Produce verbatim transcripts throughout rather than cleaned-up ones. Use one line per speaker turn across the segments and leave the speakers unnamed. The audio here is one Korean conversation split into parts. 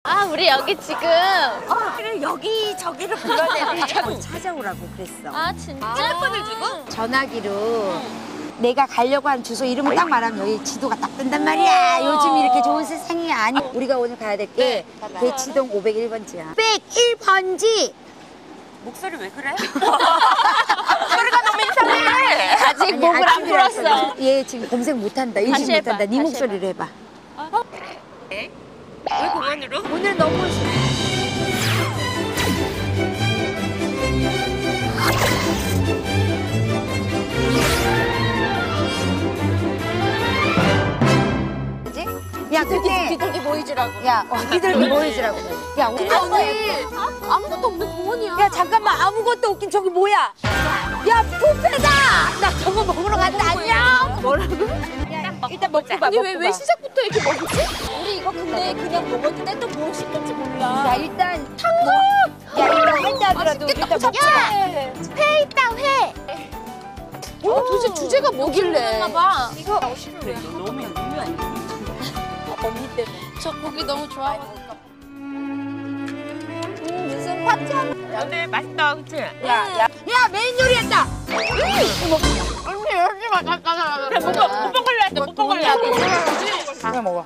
아, 우리 여기 지금.
어, 그래 여기 저기를 불러야 되네. 찾아오라고 그랬어.
아, 진짜?
핸드폰을 주고?
전화기로 내가 가려고 한 주소 이름을 딱 말하면 여기 지도가 딱 뜬단 말이야. 요즘 이렇게 좋은 세상이 아니. 우리가 오늘 가야 될 게 대치동 오백일 번지야. 오백일 번지.
목소리 왜 그래? 목소리가 너무 이상해.
아직
아니,
목을 안
아침이라서
풀었어.
얘 지금 검색 못한다.
다시
인식
해봐,
못한다. 네
다시
목소리로 해봐.
왜 공원으로?
오늘 너무 야, 근데
비둘기 보이지라고.
야, 어, 비둘기 보이지라고. 야, 우리 오늘
아무것도 없는 공원이야.
야, 잠깐만. 아무것도 없긴 저기 뭐야? 야, 뷔페다! 나 저거 먹으러 간다. 안녕. 뭐라고? 야, 일단 먹고 봐.
아니,
먹고
왜,
봐.
왜 시작부터 이렇게 먹지? 우리 이거 근데 그냥 먹어도 돼? 또 뭐 시킬지 몰라.
야, 일단 탕수육! 야, 일단 할때 하더라도 일단 먹고 봐.
회 있다, 회. 어, 도대체 주제가 뭐길래? 봐. 이거
너무 유명해.
언니 때문에. 저 고기 너무 좋아해. 음, 무슨 파티하는.
근데 맛있다, 그치?
야, 야. 야, 메인 요리했다!
언니, 여기 맛있다.
그래, 못 먹- 못 먹을래 했대, 못 먹을래 했대.
그냥 먹어.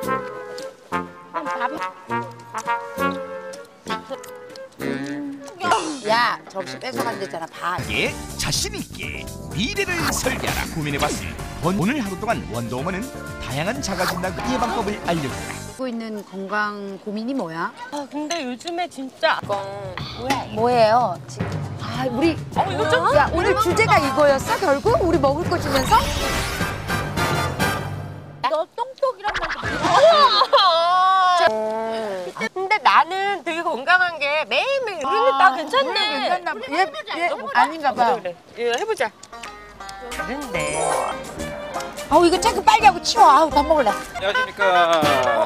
야, 접시 뺏어간댔잖아. 봐.
예, 자신 있게 미래를 설계하라 고민해봤으니 오늘 하루 동안 원더우먼은 다양한 자가진단 예방법을 알려준다.
하고 있는 건강 고민이 뭐야?
아, 근데 요즘에 진짜.
뭐예요? 지금. 아, 우리
어, 이거 좀.
야, 오늘 주제가 이거였어? 결국 우리 먹을 거 주면서?
너 똥똑이란 말도
근데 나는 되게 건강한 게 매일매일. 우리는 다 괜찮네.
괜찮나 봐. 얘, 얘 아닌가 봐.
그래, 그래. 이거 해보자. 다른데.
아우, 이거 자꾸 빨리 하고 치워. 아우, 다 먹을래.
안녕하십니까.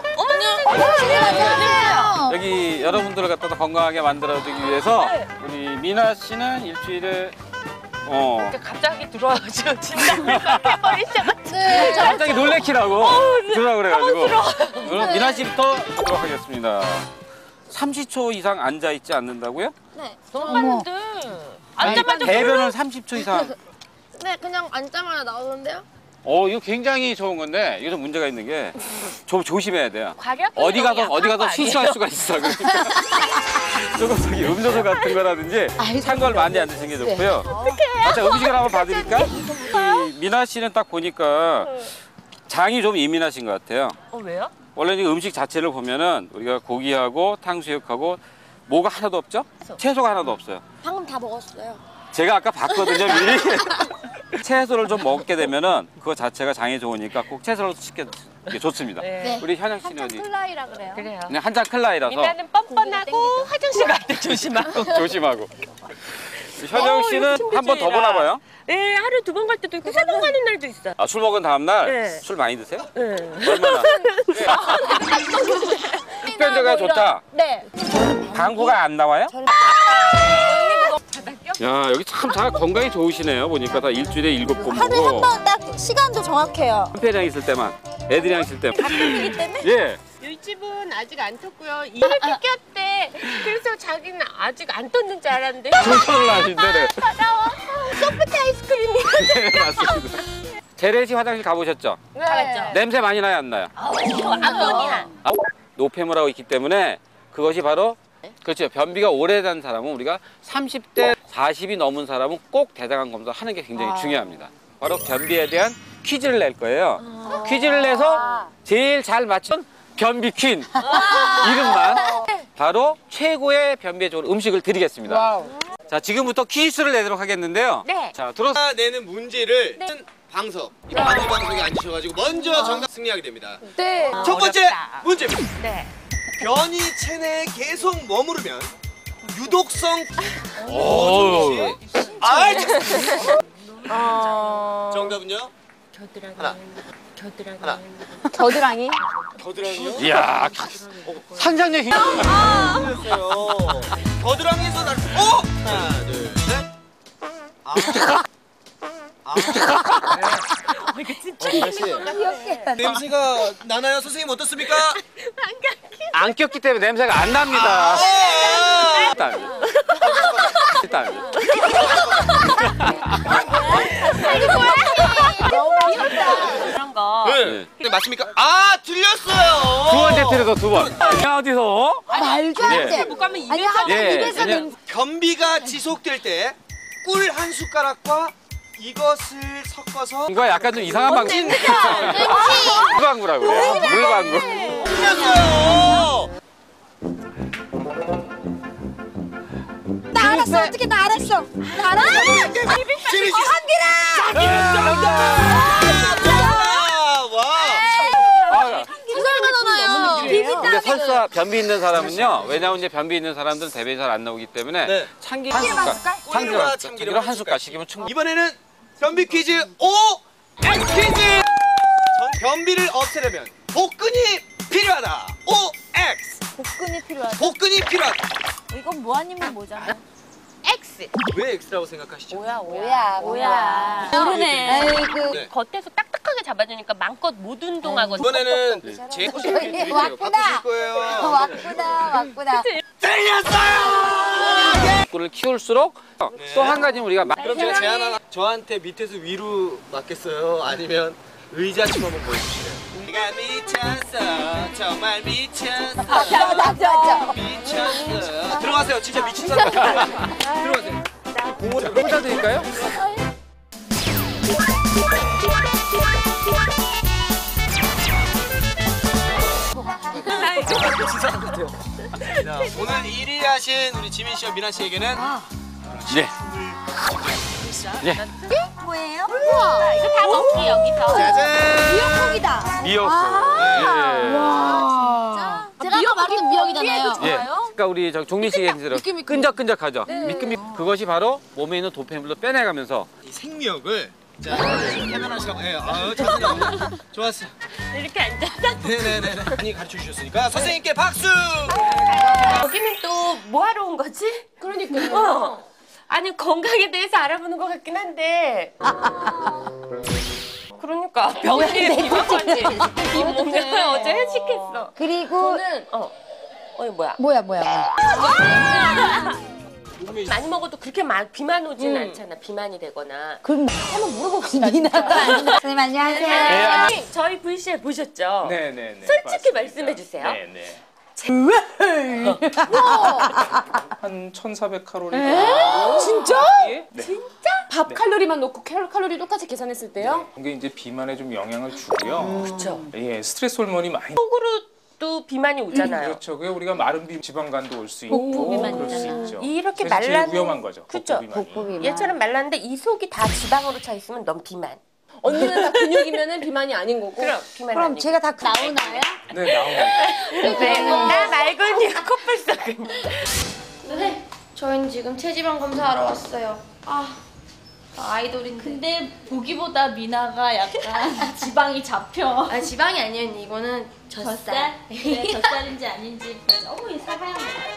안녕하세요.
여기 여러분들을 갖다 건강하게 만들어주기 위해서 우리 미나 씨는 일주일에 어
갑자기 들어와가지고 진짜 해버리셔가지고.
네,
갑자기 놀래키라고 들어라 그래가지고 그럼 미나 씨부터 하도록 하겠습니다. 삼십 초 이상 앉아 있지 않는다고요?
네.
너무 많은데. 앉자마자
대변은 삼십 초 이상.
네, 그냥 앉자마자 나오는데요?
어 이거 굉장히 좋은 건데 이게 좀 문제가 있는 게 좀 조심해야 돼요.
과략
어디 가서 어디 가서 실수할 수가 있어. 그러니까 조금 저기 음료수 같은 거라든지 찬 걸 많이 안 드시는 게 좋고요. 아, 자, 음식을 한번 봐드릴까? 이 미나 씨는 딱 보니까 장이 좀 예민하신 것 같아요.
어, 왜요?
원래 이 음식 자체를 보면은 우리가 고기하고 탕수육하고 뭐가 하나도 없죠? 채소가 하나도 없어요.
방금 다 먹었어요.
제가 아까 봤거든요, 미리. 채소를 좀 먹게 되면은 그거 자체가 장에 좋으니까 꼭 채소를 시켜 게 좋습니다.
네.
우리 현영 씨는 어디?
클라이라 그래요.
그래요.
그냥 한잔 클라이라서
미나는 뻔뻔하고 화장실 갈 때 조심하고.
조심하고. 현영 씨는 한 번 더 보나 봐요.
네, 하루 두 번 갈 때도 있고 세 번 가는 날도 있어.
아, 술 먹은 다음 날
네.
술 많이 드세요?
네.
얼마나? 흡변제가 좋다.
네.
방구가 안 나와요? 야, 여기 참 다 건강이 좋으시네요. 보니까 다 일주일에 일곱 번
하루에
먹고.
한 번 딱 시간도 정확해요.
한편이랑 있을 때만, 애들이랑 있을 때만.
가끔이기 때문에?
예.
이 집은 아직 안 떴고요. 이를 뜯겼대. 그래서 자기는 아직 안 떴는 줄 알았는데.
조선을 하신대네.
따라와. 소프트 아이스크림이.
네, 맞습니다. 재래 씨 화장실 가보셨죠?
네.
알았죠?
냄새 많이 나요, 안 나요?
아모니아.
아, 노폐물하고 있기 때문에 그것이 바로 그렇죠. 변비가 오래된 사람은 우리가 삼십 대 사십이 넘은 사람은 꼭 대장암 검사를 하는 게 굉장히 중요합니다. 바로 변비에 대한 퀴즈를 낼 거예요. 퀴즈를 내서 제일 잘 맞춘 변비 퀸 이름만 바로 최고의 변비에 좋은 음식을 드리겠습니다.
와우.
자, 지금부터 퀴즈를 내도록 하겠는데요.
네.
자, 들어.
내는 문제를 방석, 이 바디 방석에 앉으셔가지고 먼저 정답 승리하게 됩니다.
네.
첫 번째
어렵다.
문제입니다.
네.
변이 체내에 계속 머무르면 유독성.
오.
아,
어.
정답은요?
겨드랑이.
하나.
겨드랑이.
하나.
겨드랑이.
겨드랑이요?
이야, 상상력 힘.
틀렸어요. 겨드랑이에서 날. 어? 하나, 둘, 셋. 아. 아. 냄새가 나나요? 선생님 어떻습니까?
안 꼈기 때문에 냄새가 안 납니다. 일단 일단
그런 거.
네. 네. 맞습니까? 아 틀렸어요.
두 번째 틀에서 두 번. 야 어디서?
말도 안 돼.
못 가면
아니
입에서
하나
예,
입에서
그냥-
냄새.
변비가 지속될 때 꿀 한 숟가락과 이것을 섞어서
이거 약간 좀 이상한 방법. 물방구라고요. 물방구.
틀렸어요.
나 알았어. 어떻게 나 알았어. 나 알았어.
지민 씨. 와.
아,
비비다.
근데 설사 변비 있는 사람은요. 왜냐면 이제 변비 있는 사람들은 대변이 잘 안 나오기 때문에
네.
참기름 한
참기름 한
숟갈,
숟갈?
참기름
꿀과
한
참기름
참기름 한 숟갈씩이면 충분.
이번에는 변비 퀴즈 오 엑스 퀴즈. 전 변비를 없애려면 복근이 필요하다. 오 엑스.
복근이 필요하다.
복근이 필요하다.
이건 뭐 아니면 뭐잖아.
X.
왜 X라고 생각하시죠?
뭐야
뭐야 뭐야.
모르네.
아이고.
네.
겉에서 딱딱하게 잡아주니까 마음껏 못 운동하거든.
이번에는 제 포즈 드릴게요.
왔구나.
바꾸실 거예요.
왔구나 왔구나.
틀렸어요.
꿀을 키울수록 또 한 가지 우리가 마-
그럼 제가 제안 하나. 저한테 밑에서 위로 맞겠어요? 아니면 의자 좀 한번 보여주실래요? 네가 미쳤어. 정말 미쳤어.
맞아 맞아.
미쳤어. 들어가세요. 진짜 미친 사람 같아요. 들어가세요.
공을 꽂아 드릴까요?
자, 오늘 일 위 하신 우리 지민 씨와 미나 씨에게는
네. 예.
뭐예요?
우와.
이거 다 먹기 여기서.
짜잔.
미역국이다.
미역국.
와.
제가 아까 말했던 미역이잖아요.
예. 예. 그러니까 우리 저 종민 씨가 얘기한 대로 끈적끈적하죠. 미끈미 그것이 바로 몸에 있는 도폐물도 빼내가면서
이 생미역을 자 해변하시라고 해요. 아유 잘하네요. 좋았어요.
이렇게 앉아서.
네네네. 많이 가르쳐 주셨으니까 선생님께 박수.
여기는 또 뭐 하러 온 거지? 그러니까요. 어. 아니 건강에 대해서 알아보는 것 같긴 한데. 그러니까 병원에 비벼가지. 이 몸에 어제 회식했어.
그리고
어. 어이 뭐야?
뭐야 뭐야 뭐야.
많이 먹어도 그렇게 막 비만 오진 않잖아. 비만이 되거나.
그럼 한번 물어봅시다. 선생님 안녕하세요.
네, 저희 브이씨엘 보셨죠?
네네네.
솔직히 말씀해 주세요.
네네. 한 천사백 칼로리.
진짜?
네.
밥 칼로리만 놓고 칼- 칼로리 똑같이 계산했을 때요?
이게 이제 비만에 좀 영향을 주고요.
그렇죠.
예, 스트레스 호르몬이 많이.
속으로도 비만이 오잖아요.
그렇죠. 그게 우리가 마른 비 지방간도 올 수 있고 그럴 수 있죠.
이렇게
그래서 제일
말랐는-
위험한 거죠.
그쵸.
복부비만이.
얘처럼 말랐는데 이 속이 다 지방으로 차 있으면 넌 비만.
언니는 다 근육이면은 비만이 아닌 거고.
그럼 비만
그럼
아니고.
제가 다
나오나요?
네, 나옵니다.
네. 나 말고는 코뿔소근.
네, 저희는 지금 체지방 검사하러 왔어요. 아, 나 아이돌인데.
근데 보기보다 미나가 약간 지방이 잡혀.
아, 지방이 아니에요. 이거는 젖살.
젖살? 그래, 젖살인지 아닌지. 어머, 이 사과향.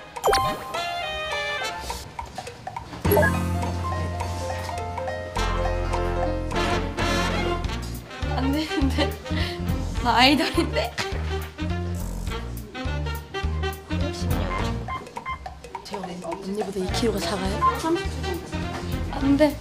안 되는데. 나 아이돌인데.
언니보다 이 킬로그램가 작아요?
안 돼.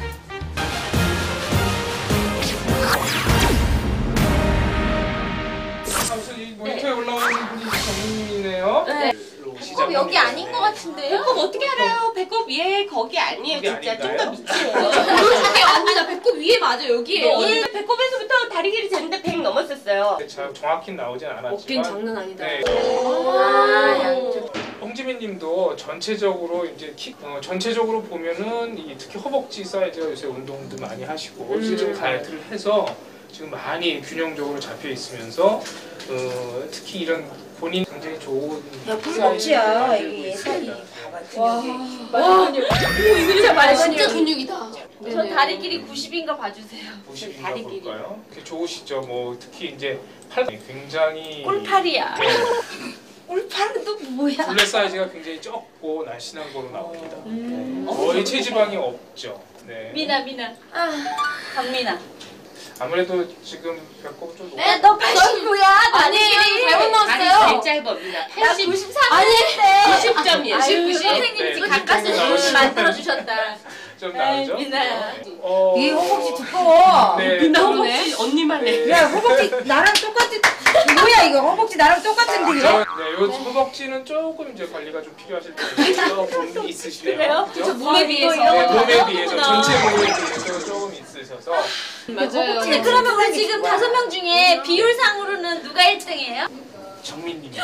사실 이 모니터에 올라오는 분이 정민이네요. 네.
어, 여기 아닌 것 같은데요?
배꼽 어떻게 알아요? 배꼽 얘 거기 아니에요.
거기
진짜 좀
아닌가요?
더 밑이에요.
그게 언니 나 배꼽 위에 맞아 여기에요.
오늘 배꼽에서부터 다리 길이 재는데 백 넘었었어요.
자, 정확히 나오진 않았지만.
어깨는 장난 아니다.
네.
아, 양쪽.
홍지민님도 전체적으로 이제 키, 어, 전체적으로 보면은 이 특히 허벅지 사이즈가 요새 운동도 많이 하시고 지금 다이어트를 해서 지금 많이 균형적으로 잡혀 있으면서 어, 특히 이런 본인 굉장히 좋은 허벅지야 이게 예산이
와,
진짜 많이
진짜 근육이다.
저 다리 길이 구십인가 봐주세요.
보시는가 볼까요? 되게 좋으시죠. 뭐 특히 이제 팔 굉장히
꿀팔이야.
네,
꿀팔은 또 뭐야?
둘레 사이즈가 굉장히 적고 날씬한 거로 나옵니다. 네. 거의 체지방이 없죠. 네.
미나, 미나. 아, 강미나.
아무래도 지금 배꼽 좀 높.
네, 너 팔십구야.
아니,
잘못 넣었어요.
아니, 제일 짧습니다. 팔십.
구십삼. 아닌데.
구십 점이에요.
아유,
구십.
선생님이 지금
네,
가까스로
나오시네.
만들어 주셨다.
좀 나오죠?
미나야.
네. 어,
이 허벅지 두꺼워.
네.
미나네. 언니만 해.
야 허벅지 나랑 똑같은 뭐야 이거 허벅지 나랑 똑같은데 이거?
네, 요 허벅지는 조금 이제 관리가 좀 필요하실 텐데 있으시네요. 그죠?
몸에 비해서.
네, 몸에 비해서 전체 몸에 비해서 조금 있으셔서
맞아요.
근데 그러면 우리 지금 다섯 명 중에 비율상으로는 누가 일 등이에요?
정민님이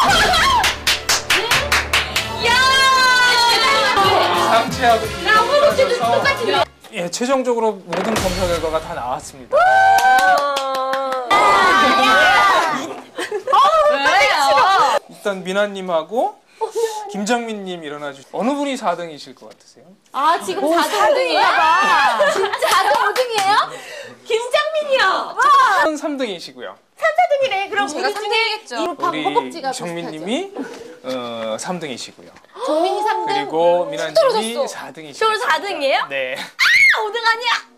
야!
상체하고
나 허벅지도 똑같은데.
예, 최종적으로 모든 검사 결과가 다 나왔습니다.
왜요?
일단 미나님하고 김정민님 일어나 주시. 어느 분이 사 등이실 것 같으세요?
아, 지금 사 등이에요? 진짜 오 등이에요? 김장민이요.
삼 등이시고요.
삼, 사 등이래. 그럼
제가
우리
삼
중에
등이겠죠.
우리 정민님이 어, 삼 등이시고요.
정민이 삼 등.
그리고 미나님이 사 등이시고요.
저로 사 등이에요?
네.
오 등 아니야?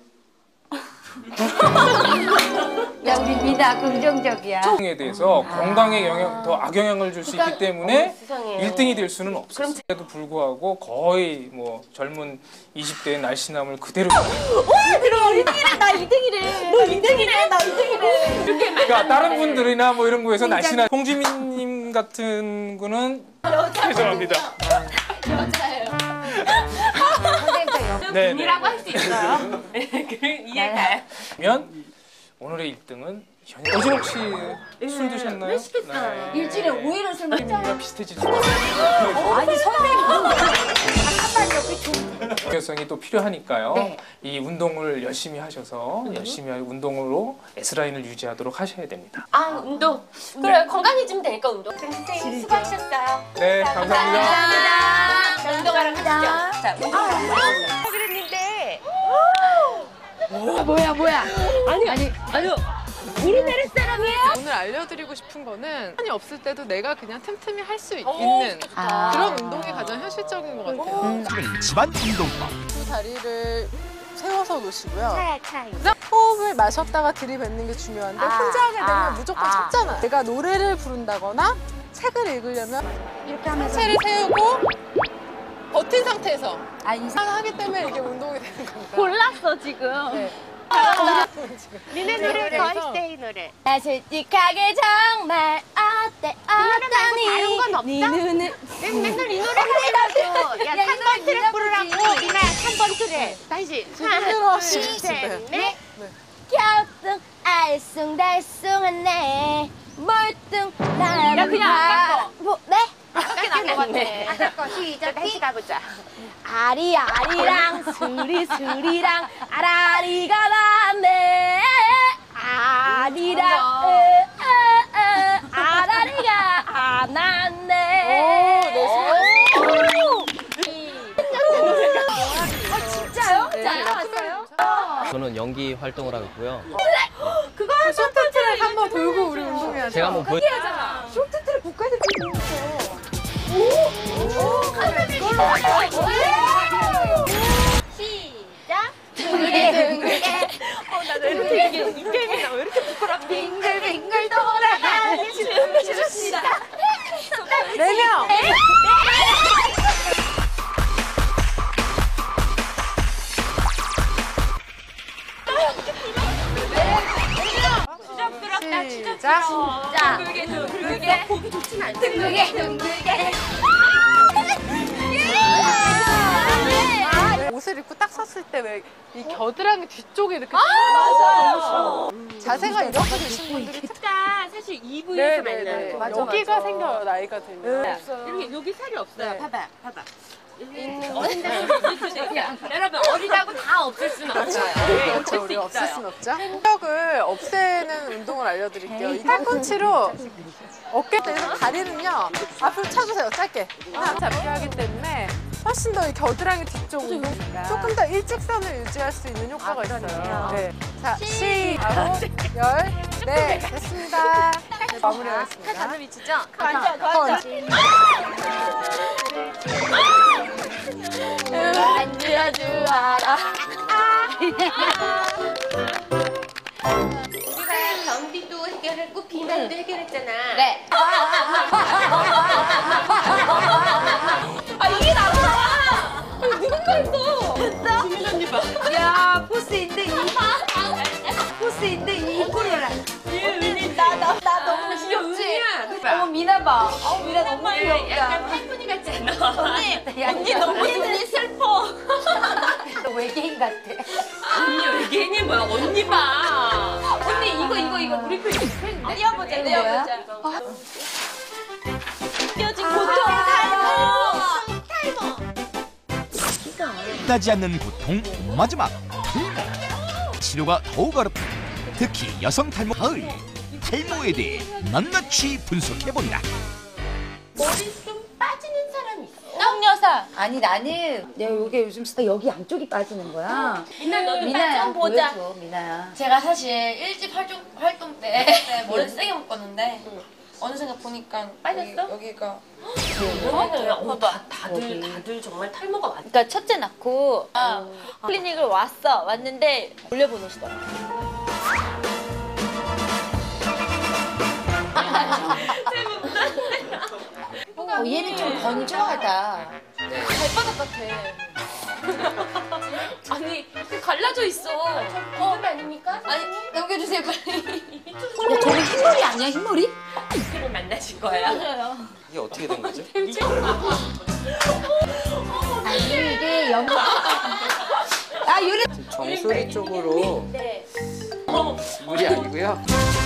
야 우리 미나 긍정적이야.
에 대해서 건강에 영향, 더 악영향을 줄 수 있기 때문에 일 등이 될 수는 없어요. 그럼에도 불구하고 거의 뭐 젊은 이십 대의 날씬함을 그대로.
그럼 일 등이래. 나 이 등이래. 너 이 등이래. 나 이 등이래.
그러니까 다른 분들이나 뭐 이런 거에서 날씬한 홍지민님 같은 분은 죄송합니다. 네, 네.
이라고 할 수 있어요. 이해가요.
그러면 오늘의 일 등은 어제 혹시 술 드셨나요? 네,
시켰어요. 일주일에 오 일은 술 먹자.
가 비슷해질 수 있어요.
아니 선생님 잠깐만요. 그 좀-
중요성이 또 필요하니까요.
네.
이 운동을 열심히 하셔서 열심히 할 운동으로 S라인을 유지하도록 하셔야 됩니다.
아, 운동. 그래, 건강해지면 되니까 운동. 선생님 수고하셨어요.
네, 감사합니다.
자, 운동하러 가시죠. 자, 운동하러 그랬는데.
뭐야 뭐야.
아니, 아니, 아니. 우리나라 사람이에요?
오늘 알려드리고 싶은 거는 한이 없을 때도 내가 그냥 틈틈이 할 수 있는
아.
그런 운동이 가장 현실적인 것 같아요.
지금 집안 운동법.
두 다리를 세워서 놓으시고요. 그다음 호흡을 마셨다가 들이뱉는 게 중요한데
아,
혼자 하게 되면
아,
무조건
아.
찾잖아. 내가 노래를 부른다거나 책을 읽으려면
이렇게 하면서
상체를 세우고 버틴 상태에서
아니
하기 때문에 이게 운동이 되는 겁니다.
골랐어, 지금.
네.
니네 노래 건스테이 노래.
나 솔직하게 정말 어때 어떠니
다른 건 없어?
네 눈을
맨날 이 노래 하려고. 야,
야, 이
삼 번
노래
트랙 부르라고.
불러보지.
니나 삼 번 트랙. 다시.
제대로
하나,
하시면
둘, 셋,
돼요.
넷.
갸우뚱 알쏭달쏭하네 멀뚱 나는
야, 그냥 안 깎어.
뭐, 네?
깎게 난것 같아.
아까 시작
다시 가보자.
아리아리랑 스리스리랑 아라리가 났네 아리랑 으, 으, 으, 아라리가 안 났네 어, 진짜요? 잘해왔어요?
저는 연기 활동을 하고 있고요.
그거 한
쇼트트랙 한번 돌고 우리 운동해야죠.
제가 한번 보여.
하잖아 쇼트트랙 국가대표 있어 시작 둥글게 어나왜 이렇게 이게 이 게임이 나왜 이렇게 부끄럽지 빙글빙글 돌아가는 춤추시다
네 명.
추적스럽다, 추적스러워.
자
둥글게, 둥글게. 보기 좋지는 않지.
둥글게 둥글게
옷을 입고 딱 섰을 때 왜 이 겨드랑이 뒤쪽에 이렇게
맞아요
자세가 이렇게 되신 분들이 특
그러니까 사실 이브이에서
네네네.
만나는 거.
여기가 생겨요 나이가 들면.
이렇게 여기 살이 없어요.
네.
봐봐, 봐봐. 여러분 어리다고 다 없을 수는 없어요.
그렇죠. 우리 없앨 순 없죠. 근력을 없애는 운동을 알려드릴게요. 이 팔꿈치로 어깨에서 다리는요 앞으로 차주세요. 짧게. 하나 잡게 하기 때문에 훨씬 더 이 겨드랑이 뒤쪽으로 조금 더 일직선을 유지할 수 있는 효과가 있어요. 네. 자, 시, 아홉, 열, 네, 됐습니다. 네, 마무리하겠습니다.
다들 미치죠?
관절,
펀치.
안 들어주어라
문제 해결했잖아.
네.
아 이게 나구나. 누군가 했어. 지민 언니 봐.
야 포스인데 이 포스인데 이 이쁘려라.
나나 나 너무 귀엽지.
어머 미나 봐. 어 미나 너무 귀엽다.
약간 팔분이 같지 않아? 언니
야,
언니 너무 눈이 슬퍼.
너 외계인 같아.
언니 외계인이 뭐야? 언니 봐. 언니 이거 이거 이거 우리 편 이거 팬인데? 띄워보자 띄워보자. 띄워진 고통 탈모.
끝나지 않는 고통 마지막 탈모. 치료가 더욱 어렵다. 특히 여성 탈모 가을 탈모에 대해 낱낱이 분석해본다.
머리 좀 빠지는 사람 있어?
떡여사.
아니 나는 내가 요게 요즘 스타 여기 양쪽이 빠지는 거야.
미나 너도
미나야
좀 보자.
보여줘 미나야.
제가 사실 일집 활동, 활동 때 머리 세게 묶었는데 어느 순간 보니까
빠졌어?
여기, 여기가
어, 다, 다들 다들 정말 탈모가 많.
그러니까 첫째 낳고 클리닉을 왔어. 왔는데 올려보내시더라고.
어, 얘는 좀 건조하다.
발바닥 같아.
아니 갈라져 있어. 어 아닙니까?
아니 넘겨주세요 빨리.
야 저거 흰머리 아니야 흰머리?
그를 만나실 거예요.
이게 어떻게 된 거죠?
아니 이게 연. 아 요래.
정수리 쪽으로
네.
물이 아니고요.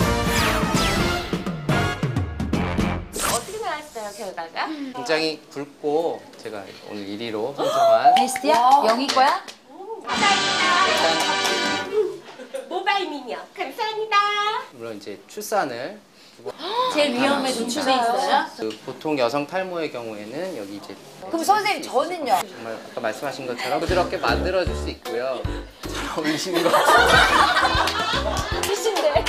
어떻게 나왔어요 결과가?
굉장히 굵고 제가 오늘 일 위로 선정한
베스트야? 영희 거야?
일단
모바일 미니어 감사합니다.
물론 이제 출산을
제일 위험에 노출돼 있어요?
그 보통 여성 탈모의 경우에는 여기 이제
그럼 선생님 저는요?
정말 아까 말씀하신 것처럼 부드럽게 만들어줄 수 있고요. 잘 어울리시는 것 같아요.
미신데.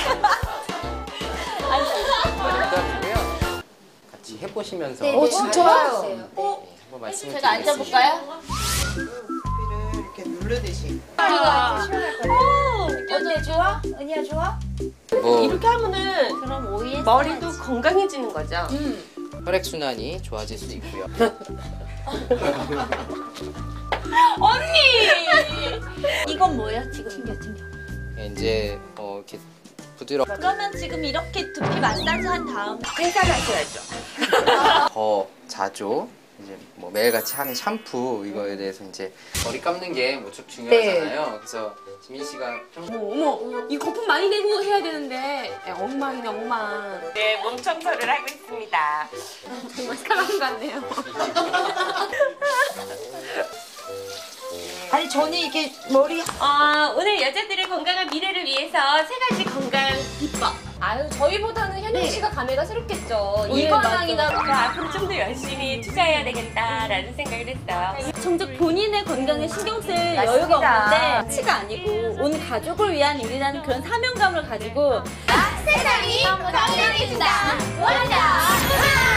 부담이고요. 같이 해보시면서
어 진짜요?
네, 한번 말씀을
제가 앉아볼까요?
이렇게 누르듯이.
어때 좋아? 은희야 좋아?
뭐
이렇게 하면은
그럼 오이에
머리도 건강해지는 거죠.
혈액 순환이 좋아질 수 있고요.
언니! 이건 뭐예요? 지금 튕겨 튕겨.
이제 어, 이렇게 부드럽게
그러면 지금 이렇게 두피 마사지 한 다음
생산하셔야죠.
더 자주 이제 뭐 매일같이 하는 샴푸 이거에 대해서 이제 머리 감는 게 무척 중요하잖아요. 그래서 지민 씨가
어머 어머 이 거품 많이 내고 해야 되는데 네, 엉망이네 엉망. 네 몸 청소를 하고 있습니다. 정말 사람 같네요.
아니 저는 이게 머리
어, 오늘 여자들의 건강한 미래를 위해서 세 가지 건강 비법. 아유 저희보다는 현영 씨가 감회가 새롭겠죠. 이 건강이다. 앞으로 좀 더 열심히 투자해야 되겠다라는 생각을 했어요.
정작 본인의 건강에 신경 쓸 여유가 없는데 치가 아니고 온 가족을 위한 일이라는 그런 사명감을 가지고
세상이 건강해진다. 원자.